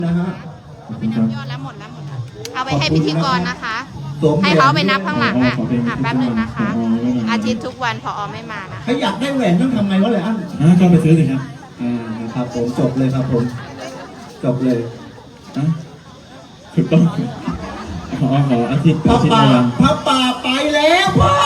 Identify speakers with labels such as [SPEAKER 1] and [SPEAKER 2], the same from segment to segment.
[SPEAKER 1] นะฮะ
[SPEAKER 2] ไปนับยอดแล้วหมดแล้วเอาไปให้พิธีกรนะคะ ให้เขาไปนับข้างหลังแป๊บนึงนะคะ อาทิตย์ทุกวันพอไม่มานะ
[SPEAKER 1] ใครอยากได้แหวนต้องทำไงวะเลยอัน
[SPEAKER 3] ก็ไปซื้อสิครับ
[SPEAKER 1] ครับผมจบเลยครับผมจบเลย
[SPEAKER 3] ถูกต้องขออาทิตย์
[SPEAKER 1] พระป่าไปแล้วพ่อ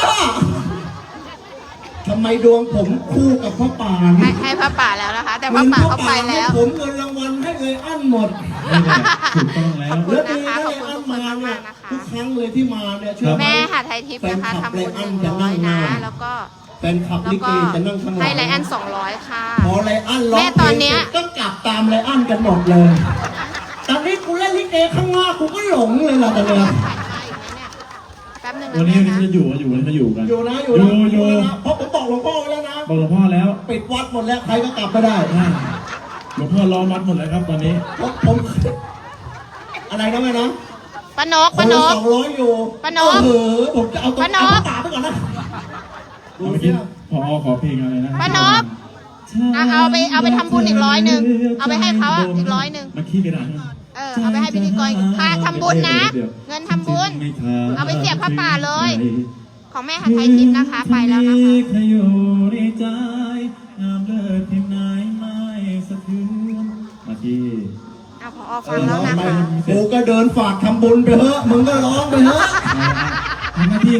[SPEAKER 1] ทำไมดวงผมคู่กับพระป่า
[SPEAKER 2] ให้พระป่าแล้วนะคะแต่พระป่าเขาไปแล้ว
[SPEAKER 1] ผมเงินรางวัลให้เลยอั้นหมด
[SPEAKER 3] ถูกต้องแล้ว
[SPEAKER 2] แล้วนะคะขอบคุณทุกคนมากนะคะ
[SPEAKER 1] ทุกครั้งเลยที่มาเนี่ยช่วย
[SPEAKER 2] แม่หาไทยทิพย์นะคะทำบุญ100นะแล้วก็
[SPEAKER 1] แฟนคลับลิเกจะนั่งข้างหลัง
[SPEAKER 2] ให้ไลอัน200ค่ะ
[SPEAKER 1] พอไลอันร้องแม่
[SPEAKER 2] ตอนเนี้ย
[SPEAKER 1] ก็กลับตามไลอันกันหมดเลยตอนนี้กูเล่นลิเกข้างนอกกูก็หลงเลยล่ะตอนเนี้ย
[SPEAKER 2] แป๊บนึง
[SPEAKER 3] วันนี้จะอยู่กันอยู่นะ
[SPEAKER 1] เพราะผมบอกหลวงพ่อแล้วนะ
[SPEAKER 3] บอกหลวงพ่อแล้ว
[SPEAKER 1] ปิดวัดหมดแล้วใครก็กลับไม่ได้
[SPEAKER 3] หลวงพ่อล้อมวัดหมดแล้วครับตอนนี้
[SPEAKER 1] ผมอะไรนะแม่นะ
[SPEAKER 2] ป้านก
[SPEAKER 1] 200อยู่
[SPEAKER 2] ป้านก
[SPEAKER 1] ผมจะเอาตัวตาไปก่อนนะ
[SPEAKER 3] เมื่อกี้พอขอเพลงอะไรนะ
[SPEAKER 2] ป้านกเอาไปทำบุญอีก100เอาไปให้เขาอีก100
[SPEAKER 3] มาขี้กระดาษ
[SPEAKER 2] เอาไปให้พิธีกรค่าทำบุญนะเงินทำบุญเอาไปเสียบพระป่าเลยของแม่หาไทยทิพย์นะคะไปแล้วนะคะ
[SPEAKER 3] มาที่
[SPEAKER 2] พอฟังแล้วนะคะ
[SPEAKER 1] กูก็เดินฝากทำบุญไปเถอะมึงก็ร้องไปเถอะ
[SPEAKER 3] ทำหน้าที่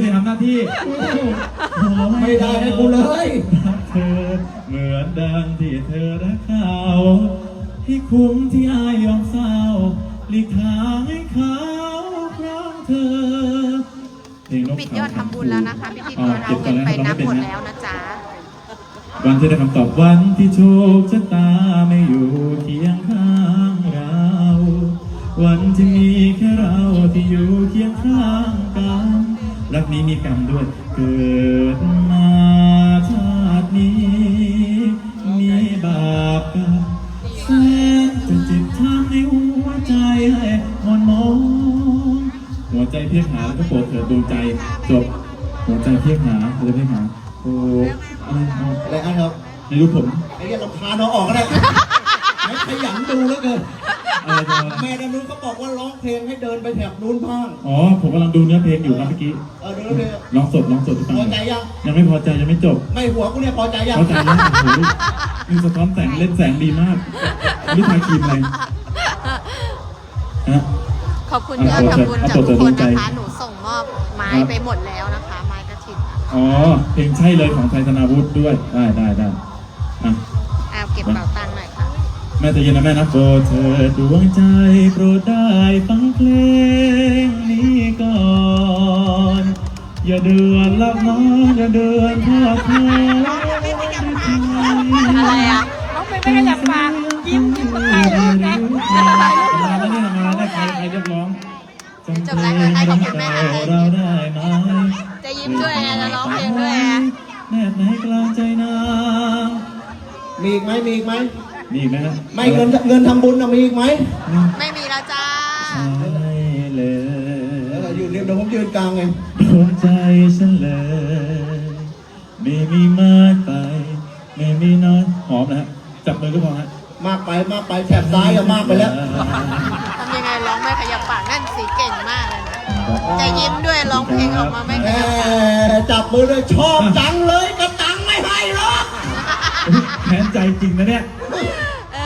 [SPEAKER 1] ไม่ได้ให้กูเลย
[SPEAKER 3] เธอเหมือนดังที่เธอรักเขาให้คุ้มที่อายยอมเศร้าหลีกทางให้เขาเพราะเธอ
[SPEAKER 2] ปิดยอดทำบุญแล้วนะคะพิธีกรเอาเงินไปนับหมดแล้วนะจ๊ะ
[SPEAKER 3] วันที่ได้คำตอบวันที่โชคชะตาไม่อยู่เคียงข้างเราวันที่มีแค่เราที่อยู่เคียงข้างกันรักนี้มีกรรมด้วยเกิดมาชาตินี้มีบาปกรรมแสนจะเจ็บช้ำในหัวใจให้อ่อนมองหัวใจเพียงหาแล้วก็โปรดเถิดดวงใจจบหัวใจเพียงหาหัวใจเพียงหาโอ้
[SPEAKER 1] อะไรครับ
[SPEAKER 3] ในรูปผม
[SPEAKER 1] ไอ้เรื่องรำคาญเอาออกก็ได้ไม่ขยันดูแล้วเกินแม่ด้านนู้นเขาบอกว่าร้องเพลงให้เดินไปแถบนู้นบ้าง
[SPEAKER 3] ผมกำลังดูเนื้อเพลงอยู่ครับเมื่อกี้
[SPEAKER 1] ดูเนื้อเพลง
[SPEAKER 3] ร้องสดที่ฟัง
[SPEAKER 1] พอใจ
[SPEAKER 3] ยังไม่พอใจยังไม่จบ
[SPEAKER 1] ไม่หัวกูเนี่ยพอใจยัง
[SPEAKER 3] พอใจแล้วโอ้โหมีสะท้อนแสงเล่นแสงดีมากนี่ทาครีมอะไร
[SPEAKER 2] ขอบคุณยอดทำบุญจากทุกคนนะคะหนูส่งมอบไม้ไปหมดแล้วนะคะไม้กระถิ่น
[SPEAKER 3] เพลงใช่เลยของไทยธนาวุฒิด้วยได้
[SPEAKER 2] เก็บเป๋าตังค์หน่อยค่ะ
[SPEAKER 3] แม่จะยินนะแม่นะโปรดเธอดวงใจโปรดได้ฟังเพลงนี้ก่อนอย่าเดือนลับน้องอย่าเดือนทอดเธอ
[SPEAKER 2] อะไรน้องไม่ได้อยากฟังยิ้มให้เลยนะ
[SPEAKER 3] มาได้ใครเรียกร้อง
[SPEAKER 2] จบแล้วให้ขอบคุณแม่
[SPEAKER 3] เราได้ไหม
[SPEAKER 2] จะยิ้มด้วยจะร้องเพลงด้วย
[SPEAKER 3] แม่ไหนกลางใจนาง
[SPEAKER 1] มีอีกไหม
[SPEAKER 3] ฮะ
[SPEAKER 1] ไม่เงินทำบุญมีอีกไหม
[SPEAKER 2] ไม่มีแล้วจ้า
[SPEAKER 1] เลยอยู่เดี๋ยวผมยืนกลางไง
[SPEAKER 3] ดวงใจฉันเลยไม่มีมากไปไม่มีน้อยหอมนะฮะจับมือก็พอฮะ
[SPEAKER 1] มากไปแถบซ้ายก็มากไปแล้ว
[SPEAKER 2] ทำยังไงร้องไม่ขยับปากนั่นสีเก่งมากเลยนะจะยิ้มด้วยร้องเพลงออกมาไม่ขยับปาก
[SPEAKER 1] จับมือเลยชอบจังเลยกระตังไม่ให้หรอก
[SPEAKER 3] แค้นใจจริงนะเนี่ย